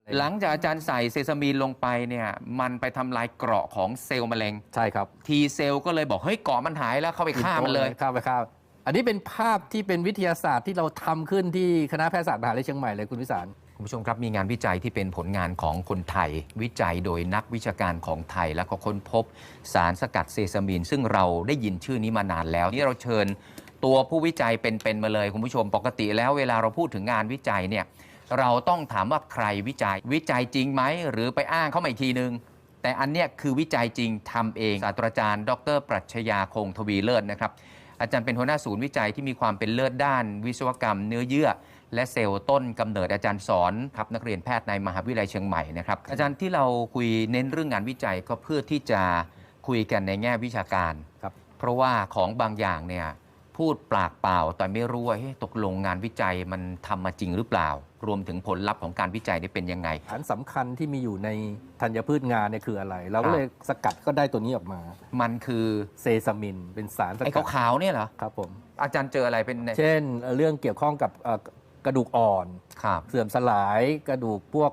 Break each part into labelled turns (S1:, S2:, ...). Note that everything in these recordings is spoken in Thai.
S1: หลังจากอาจารย์ใส่เซซามีนลงไปเนี่ยมันไปทำลายเกราะของเซลล์มะเร็ง
S2: ใช่ครับ
S1: ทีเซลล์ก็เลยบอกเฮ้ยเกราะมันหายแล้วเข้าไปฆ่ามันเลย
S2: ฆ่าอันนี้เป็นภาพที่เป็นวิทยาศาสตร์ที่เราทำขึ้นที่คณะแพทยศาสตร์มหาวิทยาลัยเชียงใหม่เลยคุณวิสาร
S1: คุณผู้ชมครับมีงานวิจัยที่เป็นผลงานของคนไทยวิจัยโดยนักวิชาการของไทยและก็ค้นพบสารสกัดเซซามีนซึ่งเราได้ยินชื่อนี้มานานแล้วนี่เราเชิญตัวผู้วิจัยเป็นมาเลยคุณผู้ชมปกติแล้วเวลาเราพูดถึงงานวิจัยเนี่ยเราต้องถามว่าใครวิจัยจริงไหมหรือไปอ้างเขามาอีกทีนึงแต่อันเนี้ยคือวิจัยจริงทำเองศาสตราจารย์ดร.ปรัชญาคงทวีเลิศนะครับอาจารย์เป็นหัวหน้าศูนย์วิจัยที่มีความเป็นเลิศด้านวิศวกรรมเนื้อเยื่อและเซลล์ต้นกำเนิดอาจารย์สอนครับนักเรียนแพทย์ในมหาวิทยาลัยเชียงใหม่นะครับอาจารย์ที่เราคุยเน้นเรื่องงานวิจัยก็เพื่อที่จะคุยกันในแง่วิชาการ
S2: ครับ
S1: เพราะว่าของบางอย่างเนี่ยพูดปากเปล่าแต่ไม่รู้ว่าตกลงงานวิจัยมันทำมาจริงหรือเปล่ารวมถึงผลลัพธ์ของการวิจัยนี่เป็นยังไง
S2: สารสำคัญที่มีอยู่ในธัญพืชงาเนี่ยคืออะไรเราก็เลยสกัดก็ได้ตัวนี้ออกมา
S1: มันคือ
S2: เซซามินเป็นสารสกัด
S1: ไอ้ขาวๆเนี่ยเหรอ
S2: ครับผม
S1: อาจารย์เจออะไรเป็น
S2: เช่นเรื่องเกี่ยวข้องกับกระดูกอ่อนเสื่อมสลายกระดูกพวก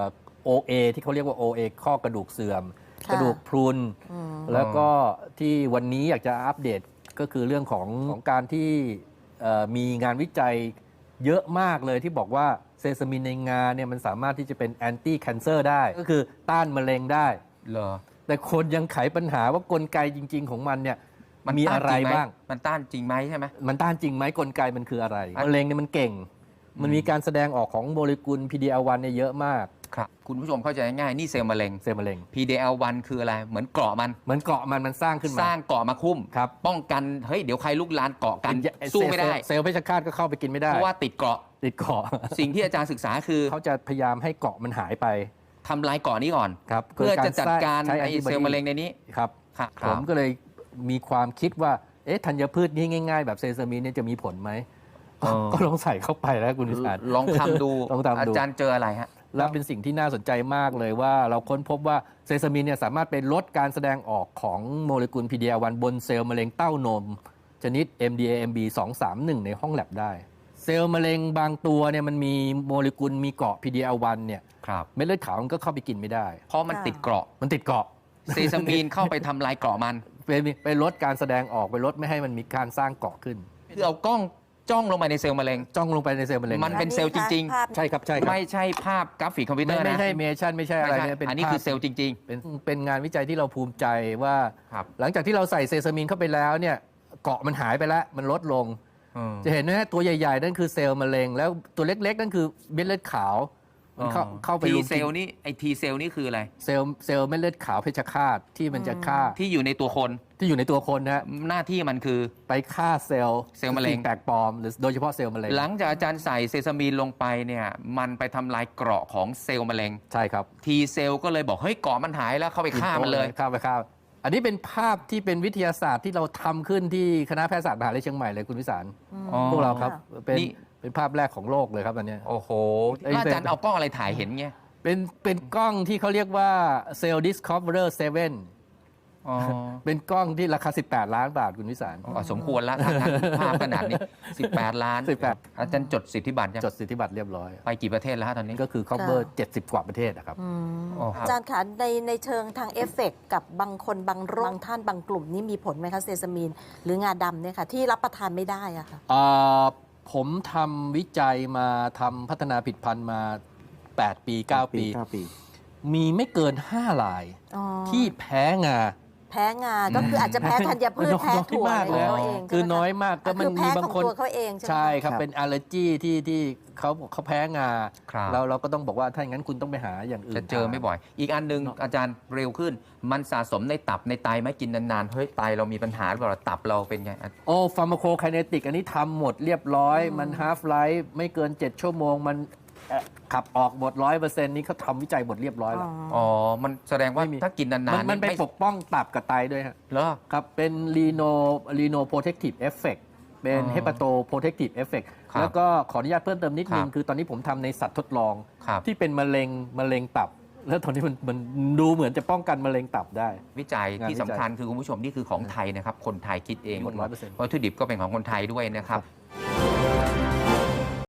S2: OA ที่เขาเรียกว่า OA ข้อกระดูกเสื่อมกระดูกพรุนแล้วก็ที่วันนี้อยากจะอัปเดตก็คือเรื่องของการที่มีงานวิจัยเยอะมากเลยที่บอกว่าเซซามินในงาเนี่ยมันสามารถที่จะเป็นแอนตี้แคนเซอร์ได้ก็คือต้านมะเร็งได้
S1: เหรอ
S2: แต่คนยังไขปัญหาว่ากลไกจริงๆของมันเนี่ยมันมีอะไรบ้าง
S1: มันต้านจริงไหมใช่ไหม
S2: มันต้านจริงไหมกลไกมันคืออะไรมะเร็งเนี่ยมันเก่งมันมีการแสดงออกของโมเลกุล PD-L1 เนี่ยเยอะมาก
S1: ครับคุณผู้ชมเข้าใจง่ายๆนี่เซลล์มะเร็งPD-L1 คืออะไรเหมือนเกราะมัน
S2: สร้างขึ้นมา
S1: สร้างเกราะมาคุ้ม
S2: ครับ
S1: ป้องกันเฮ้ยเดี๋ยวใครลุกลานเกาะกันสู้ไม่ได้
S2: เซลล์เพชฌฆาตก็เข้าไปกินไม่ได้
S1: เพราะว่าติดเกราะสิ่งที่อาจารย์ศึกษาคือ
S2: เขาจะพยายามให้เกราะมันหายไป
S1: ทำลายเกราะนี้ก่อนเพื่อจะจัดการไอ้เซลล์มะเร็งในนี้
S2: ครับผมก็เลยมีความคิดว่าธัญพืชนี้ง่ายๆแบบเซซามินเนี่ยจะมีผลไหมก็ลองใส่เข้าไปแล้วคุณวิสาร
S1: ลองทำดูอาจารย์เจออะไรฮะ
S2: แล้วเป็นสิ่งที่น่าสนใจมากเลยว่าเราค้นพบว่าเซซามินเนี่ยสามารถไปลดการแสดงออกของโมเลกุล PD-L1 บนเซลล์มะเร็งเต้านมชนิด MDAMB 231ในห้องแลบได้เซลล์มะเร็งบางตัวเนี่ยมันมีโมเลกุลมีเกาะ PD-L1 เนี่ยเม็ดเลือดขาวมันก็เข้าไปกินไม่ได้
S1: เพราะมันติดเกราะเซซามินเข้าไปทำลายเกราะมัน
S2: ไปลดการแสดงออกไปลดไม่ให้มันมีการสร้างเกราะขึ้น
S1: คือเอากล้องจ้องลงไปในเซลล์มะเร็งมันเป็นเซลล์จริง
S2: ๆใช่ครับ
S1: ไม่ใช่ภาพกราฟิกคอมพิวเตอร์นะ
S2: ไม่ใช่เมชั่นไม่ใช่อะไรเนี่ย
S1: อันนี้คือเซลล์จริง
S2: ๆเป็นงานวิจัยที่เราภูมิใจว่าหลังจากที่เราใส่เซซามินเข้าไปแล้วเนี่ยเกราะมันหายไปแล้วมันลดลงจะเห็นนะตัวใหญ่ๆนั่นคือเซลล์มะเร็งแล้วตัวเล็กๆนั่นคือเม็ดเลือดขาวมันเข้าไป
S1: ทีเซลล์นี่ไอทีเซลล์นี่คืออะไร
S2: เซลล์เม็ดเลือดขาวเพชฌฆาตที่มันจะฆ่า
S1: ที่อยู่ในตัวคน
S2: นะ
S1: หน้าที่มันคือ
S2: ไปฆ่าเซลล์
S1: มะเร็ง
S2: แปลกปลอมหรือโดยเฉพาะเซลล์มะเร็ง
S1: หลังจากอาจารย์ใส่เซซามีนลงไปเนี่ยมันไปทำลายเกราะของเซลล์มะเร็ง
S2: ใช่ครับ
S1: ทีเซลล์ก็เลยบอกเฮ้ยเกราะมันหายแล้วเข้าไปฆ่ามันเลย
S2: ฆ่าอันนี้เป็นภาพที่เป็นวิทยาศาสตร์ที่เราทำขึ้นที่คณะแพทยศาสตร์มหาวิทยาลัยเชียงใหม่เลยคุณวิสารพวกเราครับเป็นภาพแรกของโลกเลยครับอันนี้
S1: โอ้โหอาจารย์เอากล้องอะไรถ่ายเห็นเงี้ย
S2: เป็นกล้องที่เขาเรียกว่า Cell Discoverer 7เป็นกล้องที่ราคา18 ล้านบาทคุณวิสาร
S1: สมควรแล้วภาพขนาดนี้18 ล้านอาจารย์จดสิทธิบัตร
S2: จดสิทธิบัตรเรียบร้อย
S1: ไปกี่ประเทศแล้วตอนนี้
S2: ก็คือ cover 70 กว่าประเทศนะครับ
S3: อาจารย์คะในเชิงทางเอฟเฟกต์กับบางคนบางโรคบางท่านบางกลุ่มนี้มีผลไหมคะเซซามีนหรืองาดำเนี่ยค่ะที่รับประทานไม่ได้อะค่ะ
S2: ผมทำวิจัยมาทำพัฒนาผลิตภัณฑ์มา8 ปี 9 ปีมีไม่เกิน5 รายที่แพ้งา
S3: ก็คืออาจจะแพ้ธัญพืชแพ้ถั่วอะไร
S2: เขาเองคือน้อยมากก็มันมีบางคน
S3: เขาเอง
S2: ใช่ครับเป็นอัลเลอร์จีที่เขาแพ้งาแล้วเราก็ต้องบอกว่าถ้าอย่างนั้นคุณต้องไปหาอย่างอื่น
S1: จะเจอไม่บ่อยอีกอันนึงอาจารย์เร็วขึ้นมันสะสมในตับในไตไหมกินนานๆเฮ้ยไตเรามีปัญหาหรือเปล่าตับเราเป็นไง
S2: ฟาร์มาโคไคเนติกอันนี้ทำหมดเรียบร้อยมันฮาล์ฟไลฟ์ไม่เกิน7 ชั่วโมงมันขับออกหมด 100% นี้เขาทำวิจัยหมดเรียบร้อยแล้ว
S1: มันแสดงว่าถ้ากินนาน
S2: ๆมันไปปกป้องตับกับไตด้วยฮะ
S1: เหรอ
S2: ครับเป็นรีโนโปรเทคทีฟเอฟเฟกต์เป็นเฮปาโตโปรเทคทีฟเอฟเฟกต์แล้วก็ขออนุญาตเพิ่มเติมนิดนึงคือตอนนี้ผมทำในสัตว์ทดลองที่เป็นมะเร็งตับแล้วตอนนี้มันดูเหมือนจะป้องกันมะเร็งตับได้
S1: วิจัยที่สำคัญคือคุณผู้ชมนี่คือของไทยนะครับคนไทยคิดเองวัตถุดิบก็เป็นของคนไทยด้วยนะครับ